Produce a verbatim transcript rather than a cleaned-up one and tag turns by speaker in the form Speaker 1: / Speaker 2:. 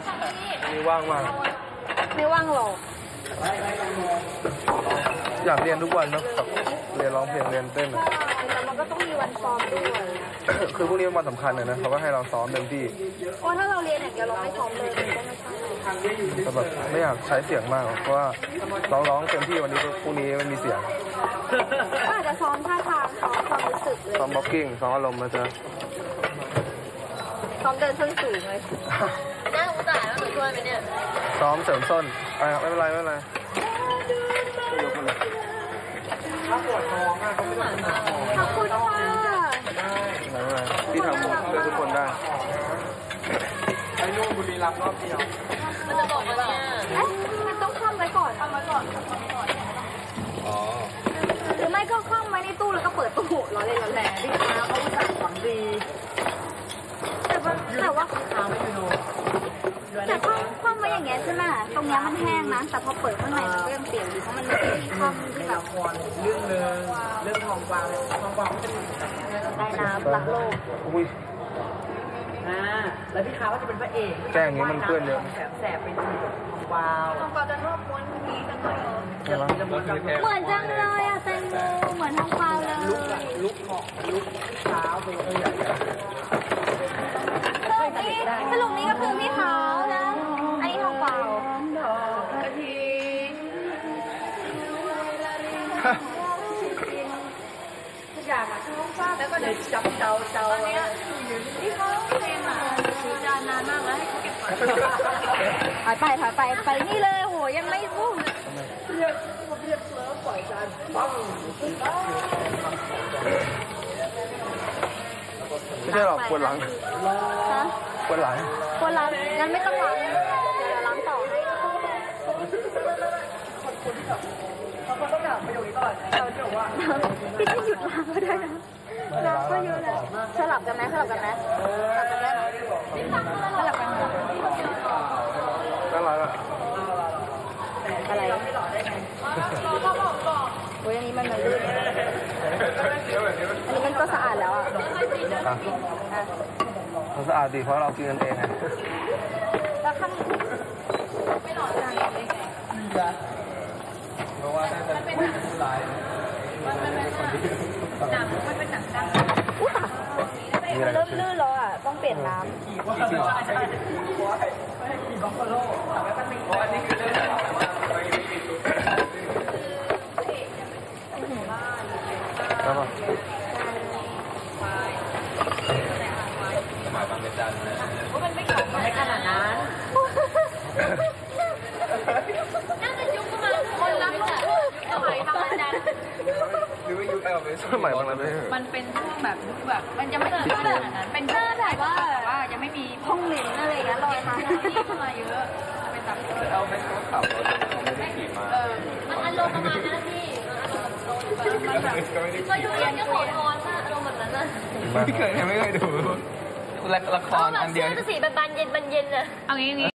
Speaker 1: นี่ว่างมาก
Speaker 2: ไม่ว่างหรอก
Speaker 1: อยากเรียนทุกวันนะแบบเรียนร้องเพลงเรียนเต้นอะ
Speaker 2: แต่มันก็ต้องมีวันซ้อมด้วย
Speaker 1: คือพวกนี้มันสำคัญเลยนะเขาก็ให้เราซ้อมเต็มที่
Speaker 2: เพราะถ้าเราเรียนอย่างเดียวเราไม่ซ้อมเลยมันก็ไม่ใช่
Speaker 1: แต่แบบไม่อยากใช้เสียงมากเพราะว่าร้องร้องเต็มที่วันนี้พรุ่งนี้ไม่มีเสียง
Speaker 2: ก็อาจจะซ้อมท่าทางซ้อมความรู้สึกเลย
Speaker 1: ซ้อมบ็อกกิ้งซ้อมอารมณ์มาจะ
Speaker 2: ซ้อมเดินส้นสูงเลยน่าสงสารแล้วหนูช่วยไหมเนี่ย
Speaker 1: ซ้อมเสริมส้นอ่าไม่เป็นไรไม่เป็นไรถ้าปวดท้องอ่ะก็ไม่ต้องหาหมอ
Speaker 2: ขอบคุณค่ะ
Speaker 1: ไม่เป็นไรพี่ทำหมดเพื่อทุกคนได้ไอ้นู่นบุรีรัมย์รอบเดียว
Speaker 2: มันจะบอกว่าเนี่ยเอ๊ะมันต้องคว่ำไว้ก่อนคว่ำไว้ก่อนคว่ำไว้ก่อน
Speaker 1: อ๋อ
Speaker 2: หรือไม่ก็คว่ำไว้ในตู้แล้วก็เปิดตู้ร้อนเลยร้อนแรงพี่ค้าเขาสั่งฝังดีแต่ว่าแต่ว่าแต่คว่ำคว่ำไว้อย่างเงี้ยใช่ไหมตรงเนี้ยมันแห้งนะแต่พอเปิดข้างในมันก็ยังเปียกอยู่เพราะมันไม่ได้คว่ำที่แบบ
Speaker 3: เรื่องนึงเรื่องทองกวางทองกวางจะเป็น
Speaker 2: ได้น้ำรักโลก
Speaker 1: อุ้ย
Speaker 3: อ่าแล้วพี่ค้าก็จะเป็นพระเอก
Speaker 1: แกงนี้มันเพื่อนเยอะ
Speaker 3: แสบเป็นทองกวาง
Speaker 2: ทองกวางจะชอบม้วนนี้กันหน่อย
Speaker 1: เหมือน
Speaker 2: จังเลยอ่ะแตงโมเหมือนทองกวางเลย
Speaker 3: ลุกอะลุกเหมาะลุกเท้าไปเลย
Speaker 2: สรุปนี้ก็คือพี่เขานะอันนี้ทองกวางทุกอย่างอะท้องฟ้าแล้วก็เดี๋ยวจับเจ้าเจ้าตอนนี้ที่เขาเพลงอะถือจานนานมากแล้วให้เขาเก็บก่อนถอยไปถอยไปไปนี่เลยโหยังไม่พูด
Speaker 3: เรียกเรียกแล้วปล่อยจานปัง
Speaker 1: ไม่ใช่หรอกปวดหลังปวดหลัง
Speaker 2: ปวดหลังงั้นไม่ต้องล้างเดี๋ยวล้างต่อให้
Speaker 3: เขาต้องถามประโยคนี้ก่อนเขาจะบอกว่า
Speaker 2: พี่จะหยุดล้างก็ได้นะล้างก็เยอะแล้วสลับกันไหมสลับกันไหมสลับกันได้ไหมสลับกัน
Speaker 1: อะไรล่ะ
Speaker 2: อะไรโอ้ยอันนี้มันมันลื่นอันนี้มันก็สะอาดแล้วอ่ะ
Speaker 1: มันสะอาดดีเพราะเรากินกันเองไง
Speaker 2: แล้วข้างไม่หล่อจานเลย
Speaker 1: เพราะว่าน่าจะเป็นผู้ร้าย
Speaker 2: มันเป็นหนังมันเป็นหนังดังอุ้ยตายมันเริ่มลื่นแล้วอ่ะต้องเปลี่ยนน้ำ
Speaker 3: ขี่ว่าขี่ว่าไม่ให้ขี่บัฟฟาโล่แต่ว่ามันไม่เพราะอันนี้คือเรื่องของแบบว่า
Speaker 1: แล้วป่ะ
Speaker 2: สมัยบางเป็นจันเลยว่ามันไม่เก่าไม่ขนาดนั้นน่าจะยุคประมาณคนรักโลกสมัยบางเป็นจัน
Speaker 1: หรือว่ายุคแอลเป็นสมัยบางเป็น
Speaker 2: มันเป็นช่วงแบบยุคแบบมันจะไม่เกิดขนาดนั้นเป็นช่วงแบบว่าแบบว่ายังไม่มีห้องเรียนอะไรอย่างเงี้ยลอยมาที่เข้ามาเยอะเป็นแบบ
Speaker 1: แอลเป็นเขาขับรถเขาไม่ได้ขี่มา
Speaker 2: เออมันอารมณ์ประมาณนั้นพี่มันแบบมาดูเรียนก็ขอพรมากอารมณ์แบบนั้นนะ
Speaker 1: ไม่เคยไม่เคยดูละครอันเดียว
Speaker 2: สีแบบบานเย็นบานเย็นอะเอางี้